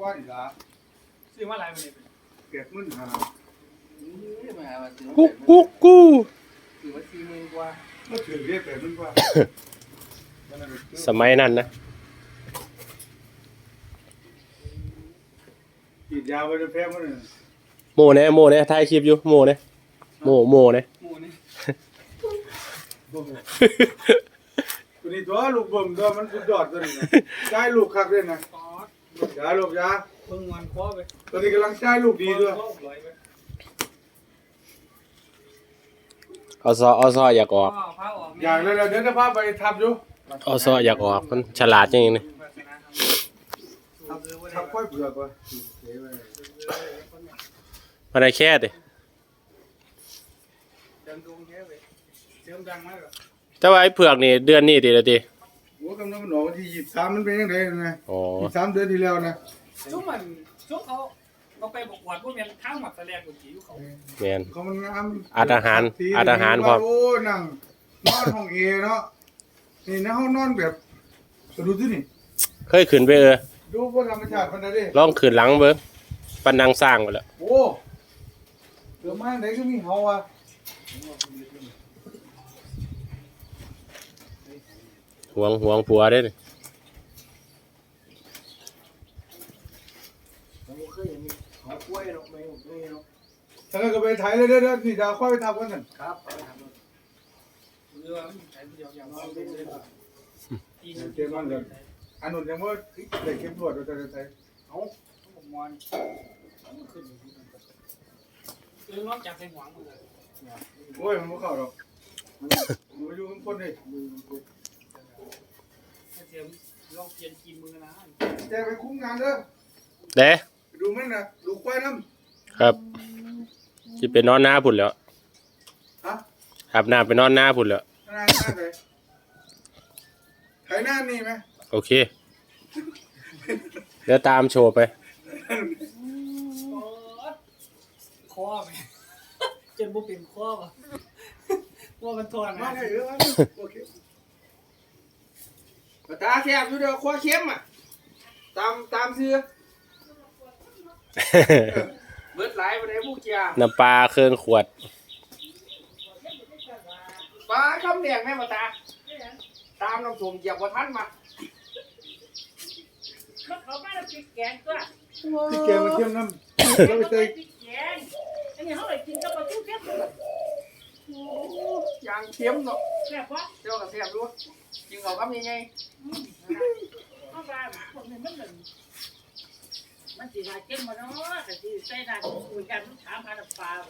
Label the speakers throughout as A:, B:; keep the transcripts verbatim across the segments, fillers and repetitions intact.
A: ว่าดีละ
B: ซื้อมาหลายวันเลย
A: เก็บมื่นหา
C: กุ๊กกุ๊กกู
A: ถือว่าสี่หมื่นกว่าก็ถือเรียกแปดหมื่นกว่า
C: สมัยนั้นนะ
A: ฉีดยาไปจะแพ้มันเลย
C: โมเนี่ยโมเนี่ยถ่ายคลิปอยู่โมเนี่ยโมโมเนี่ย
B: หมูนี่
A: ตัวนี้ตัวลูกเบิ่มตัวมันสุดยอดตัวนี้นะใช้ลูกคักด้วยนะยาลูกยา
B: เพิ่งวันคว้าไป
A: ตัวนี้กำลังใช้ลูกดีด้วย
C: เอาซอเอาซออยากออก
A: อยากเลยเดี๋ยวจะพาไปทับอยู่
C: เอาซออยากออกมันฉลาดจริงๆนี่
A: ทับค่อยเผือกว่ะ
C: มาได้แค่ดิแต่ว่าไอ้เผือกนี่เดือนนี้ดีละดี
A: โอ้กำลังมันออกวันที่ยี่สิบสามมันเป็นยังไงนะ
C: อ๋อ
A: ยี่สิบสามเดือนที่แล้วนะ
B: ช่วงมันช่วงเขาเราไปบกวัดพวกเมียนข้างหมักตะแลกกุจิเขา
C: เมียน
A: เขามันงาม
C: อัดอาหารอัดอาหารพร้อม
A: โอ้นั่งนอนห้องเอเนาะนี่นะห้องนอนแบบดูที่นี่
C: เคยขึ้นไปเออ
A: ดูพวกธรรมชาติมันได้ดิ
C: ลองขึ้นหลังเบิ้งปันนังสร้างไปแล้ว
A: โอ้เดี๋ยวมาไหนก็มีเฮาอ่ะ
C: ห่วงห่วงผัวได้นี่
A: ถ้าเราไปถ่ายเลยเด้อนี่ดาวค่อยไปทำกันกัน
B: ครับไปทำเรือมันใช้เดียวอย่างน้อยเป็นเลยป่ะ
A: เจ้ามันเลยอันนู้นยังว่าเด็กเก็บรวดเราจะใช้
B: เอาผมมอนขึ้นเออน้องจับใส่หวังเลย
A: โอ้ยมันไม่เข้าหรอกมันอยู่ข้างบนนี่
B: เตรียมลองเปลี่ยนกีมือนะ
A: แกไปคุ้มงานเด้อ
C: เด้
A: ดูมันนะดูควายน้
C: ำครับจะไปนอนหน้าพุ่นแล้ว
A: ฮะ
C: อาบน้ำไปนอนหน้าพุ่นแล้ว
A: หน้าหน้าเลยไถหน้านี่ไหม
C: โอเคเดี๋ยวตามโชว์ไป
B: ข้อไหมจนบุปผินข้อป่ะว่ามันทอน
A: มาได้เยอะโอเค
B: ตาแซ่บอยู่เด้อข้อเข้มอ่ะตามตามซื้อเบิดหลายไปไหนพวกเจ้า
C: น้ำปลาเครื่องขวด
B: ปลาคำแดงแม่มาตาตามน้ำส้มเหยียบว่าทันมา
D: เขาไม่ได้พริกแกงตัว
A: พริกแกงมาเข้มน้ำ
D: เราไปใส่พริกแกงอันนี้เขาเลยกินกับปลาทูเข้มเลย
B: ยางเข้มเนาะ
D: แซ่บปะ
B: เจ้ากับแซ่บด้วยกินเขาก็มีไง
D: เอาปลาคนนี้มันเหมือนมันสีลายเข้มมาเนาะแต่สีใส่น้ำคุยกันถามหาปลา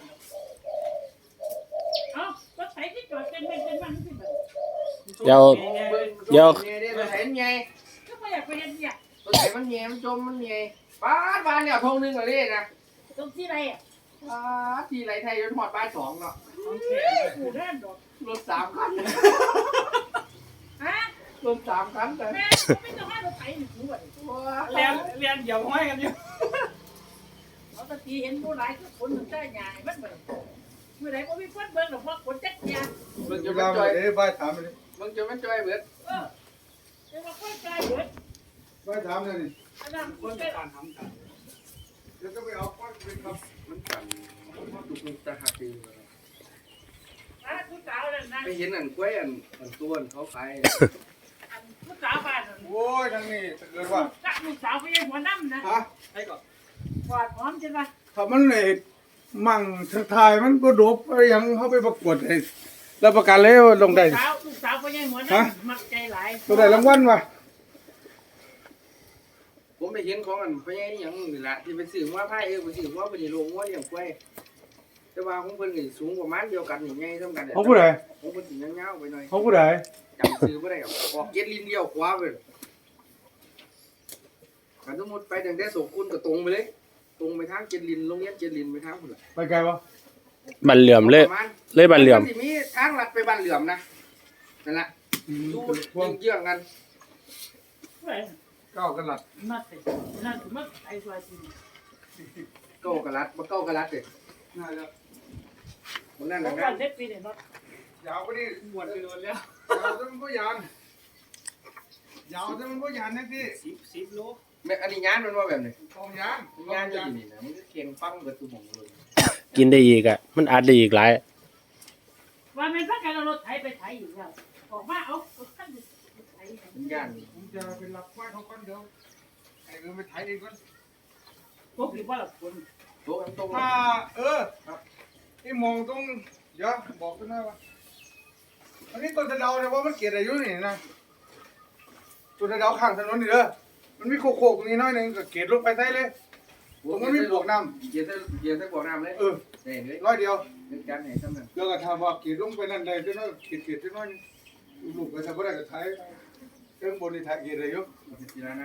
D: เอ้าก็ใส่ที่จอดเป็นเป็นเป็นมันที่แบบ
C: เดี๋ยวเดี๋ยว
B: เห็นไง
D: ก็ไม่อยากไปเห็นเนี่ย
B: ตัวไหนมันเงี้ยมันจมมันเงี้ยป้าบ้านเนี่ยทงนึงเลยนะ
D: ตรงที่ไรอ่ะ
B: ป้าที่ไรไทยยนหอดป้าสองเนาะ
D: กูเล่นดอก
B: รถสามคัน
D: ฮะ
B: รถสามคันแต่
D: แม่ไม่ต้องให้เราไปหนึ่งหัว
B: เรียนเรียนเดี่ยวห้อยกันอยู่
D: เราตะกี้เห็นผู้ร้ายก็คนหนึ่งได้ใหญ่มันเหมือนเมื่อไหร่ก็มีคนเบิ้งหรอกเพราะคนจักยา
A: มึงจะมาจ่อยเอ้ยบ้าถามเลย
B: มึงจะไม่จ่อยเบิด
D: เออจะมาค่อยจ่อยเบิด
A: บ้าถามเลยนี่
D: อันนั้นคนได้การทำกัน
A: เดี๋ยวจะไปเอาก้อนไปครับ
B: มันกันมันถูกมันจะหักเอง
D: อ่ะผู้สาวนั่นนะ
B: ไปเห็นอันกล้วยอันอันต้นเขาขาย
D: อันผู้สาวบ้าน
A: โอ้ยทางนี้เกิดว่า
D: จักผู้สาวไปยังหัวน้ำนะ
A: ฮะ
B: ให้ก่อน
D: กวาดหอมใช่ไหม
A: ถ้ามันเลยมั่งทางไทยมันก็ดบอะไรยังเขาไปประกวดเลยแล้วประกันเลยลงได้
D: ลูกสาวลูกสาวไปยังหัวน้ำมักใจหลาย
A: ตัวได้รางวัลวะ
B: ผมไปเห็นของอันไปยังอย่างนี่แหละที่ไปสื่อว่าไพ่เออไปสื่อว่าไปในโรงว่าอย่างกล้วยแต่ว่าของเพิ่นนี่สูงประมาณเดียวกันอย่างไงเท่ากัน
A: เขาผู้ใด
B: ของเพิ่นสิยาวๆไปหน่อย
A: เขาผู้ใด
B: จำซื้อไม่ได้ออกเก็ดลิ้นเดียวขวาไปกันสมมติไปถึงได้ส่งคุณก็ตรงไปเลยตรงไปทางเก็ดลิ้นโรงเรียนเก็ดลิ้นไปทางคุณล่ะ
A: ไปไกลปะ
C: บันเหลื่อมเลยเลยบันเหลื่อม
B: มีทางลัดไปบันเหลื่อมนะนั่นแหละดูเยื่อกัน
A: เก้ากระลัด
D: มัดนั่นคือมัดไอ้ไฟจริง
B: เก้ากระลัดมาเก้ากระลัดเลย
A: น่าจะ
B: มันนั่นแห
D: ละ
B: กัน
D: เด็กปีเนี่ยมัด
A: ยาวไปดิ
B: หมดไปโดนแล้ว
A: ยาวจนมันก็ยานยาวจนมันก็ยานนะพี่
B: สิบสิบโลแม่อันนี้ย่านมันว่าแบบนี้
A: กองยาง
B: ย่านจะอยู่นี่นะมันก็เคียงฟังเบิดทุกหม่องเลย
C: กินได้อีกอ่ะมันอัดได้อีกหลาย
D: ว่าแม่นพักกันเอารถไถไปไถอีกแล้วออกมาเอาขั้นไถ
B: มันย่าน
A: ผมจะไปรับควายเขาก่อนเดี๋ยวไอ้เงินไปไถเองก่อน
D: พวกที่ว่าละคน
B: โต๊ะมันโต๊ะ
A: ถ้าเออครับที่มองตรงเดี๋ยวบอกกันหน่อยว่าอันนี้ต้นตะเดาเนี่ยว่ามันเกลียดอายุนี่นะต้นตะเดาข้างถนนนี่เด้อมันมีโคกๆตรงนี้น้อยหนึงก็เกลียดลงไปใต้เลยตรงนั้นมีบวกน้
B: เย็นใส่เย็นใส่บ่อน้ำเลย
A: ำเออ
B: ได้เลย
A: ร้อยเดียว
B: เป็นการให้ซ้ำนั่น
A: เดี๋ยวก็ถามว่าเกลียดลงไปนั่นใดจะน้อยเกลียดเกลียดจะน้อยลูกก็ทำบ่ได้ก็ไถเครื่องบนนี่ไถเกลียดอายุ
B: สินะ